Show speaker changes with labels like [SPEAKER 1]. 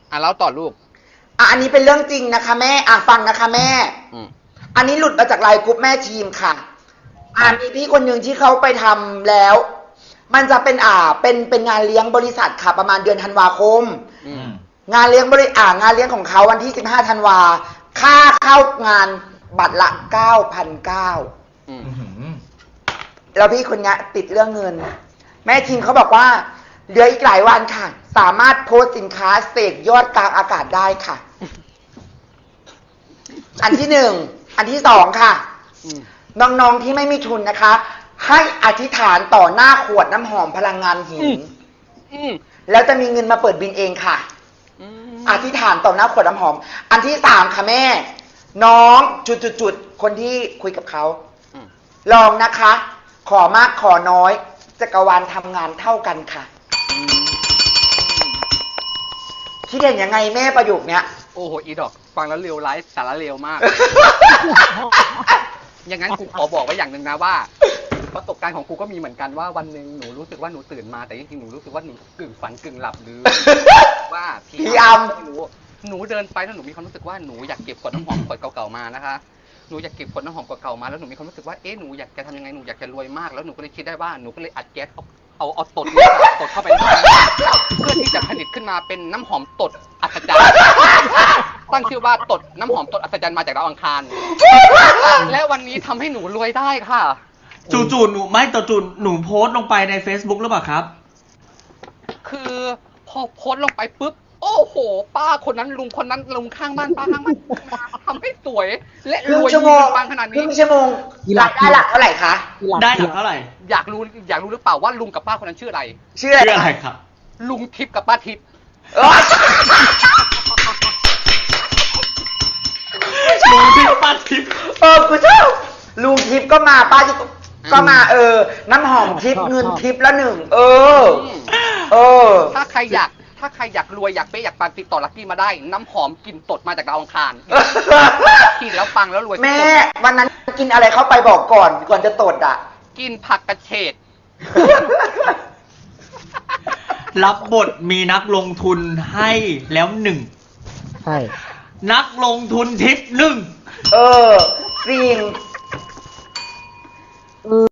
[SPEAKER 1] แล้วต่อลูก
[SPEAKER 2] อันนี้เป็นเรื่องจริงนะคะแม่ฟังนะคะแม่อันนี้หลุดมาจากไลน์กรุ๊ปแม่ทีมค่ะมีพี่คนหนึ่งที่เขาไปทำแล้วมันจะเป็นเป็นงานเลี้ยงบริษัทค่ะประมาณเดือนธันวาคมงานเลี้ยงงานเลี้ยงของเขาวันที่15ธันวาค่าเข้างานบัตรละ 9,900แล้วพี่คนนี้ติดเรื่องเงินแม่ทีมเขาบอกว่าเหลืออีกหลายวันค่ะสามารถโพสต์สินค้าเสกยอดกลางอากาศได้ค่ะอันที่1อันที่2ค่ะน้องๆที่ไม่มีทุนนะคะให้อธิษฐานต่อหน้าขวดน้ำหอมพลังงานหินแล้วจะมีเงินมาเปิดบินเองค่ะอธิษฐานต่อหน้าขวดน้ำหอมอันที่3ค่ะแม่น้องจุดคนที่คุยกับเขาลองนะคะขอมากขอน้อยจักรวาลทำงานเท่ากันค่ะคิดเห็นยังไงแม่ประโยคเนี้ย
[SPEAKER 1] โอ้โหอีดอกฟังแล้วเร็วไลฟ์สาระเร็วมาก อย่างนั้นกูขอบอกไว้อย่างหนึ่งนะว่าประสบการณ์ของกูก็มีเหมือนกันว่าวันหนึ่งหนูรู้สึกว่าหนูตื่นมาแต่จริงๆหนูรู้สึกว่าหนูกึ่งฝันกึ่งหลับหรือว่า
[SPEAKER 2] พี่อัม
[SPEAKER 1] หนูเดินไปแล้วหนูมีความรู้สึกว่าหนูอยากเก็บขวดน้ำหอมขวดเก่าๆมานะคะหนูอยากเก็บขวดน้ำหอมเก่าๆมาแล้วหนูมีความรู้สึกว่าหนูอยากจะทำยังไงหนูอยากจะรวยมากแล้วหนูก็เลยคิดได้ว่าหนูก็เลยอัดแก๊สเอาตดเข้าไปในเพื่อที่จะผลิตขึ้นมาเป็นน้ำหอมตดอัศจรรย์ตั้งชื่อว่าตดน้ำหอมตดอัศจรรย์มาจากดาวอังคารและวันนี้ทำให้หนูรวยได้ค่ะ
[SPEAKER 3] จู่ๆหนูไม่จู่ๆหนูโพสต์ลงไปใน Facebook หรือเปล่าครับ
[SPEAKER 1] คือพอโพสต์ลงไปปุ๊บโอ้โหป้าคนนั้นลุงคนนั้นลุงข้างบ้านป้าข้างบ้านทำให้สวยและรวยปังขนาดนี้
[SPEAKER 2] ครึ่งชั่วโมงรายได้หลักเท่าไหร่คะ
[SPEAKER 3] ได้หลักเท่าไหร่
[SPEAKER 1] อยากรู้หรือเปล่าว่าลุงกับป้าคนนั้นชื่ออะไร
[SPEAKER 2] ชื่ออะไร
[SPEAKER 3] ครับ
[SPEAKER 1] ลุงทิพย์กับป้าทิพย์
[SPEAKER 3] ลุงทิพย์ป้าทิพย์
[SPEAKER 2] กูชอบลุงทิพย์ก็มาป้าทิพย์ก็มาน้ำหอมทิพย์เงินทิพย์ละ1
[SPEAKER 1] ถ้าใครอยากรวยอยากเป๊ะอยากปังติดต่อลักกี้มาได้น้ำหอมกลิ่นตดมาจากดาวอังคารกินแล้วปังแล้วรวย
[SPEAKER 2] แม่วันนั้นกินอะไรเข้าไปบอกก่อนจะตด
[SPEAKER 1] กินผักกระเฉด
[SPEAKER 3] รับบทมีนักลงทุนให้แล้ว1
[SPEAKER 4] ใช่
[SPEAKER 3] นักลงทุนทิป1
[SPEAKER 2] จริง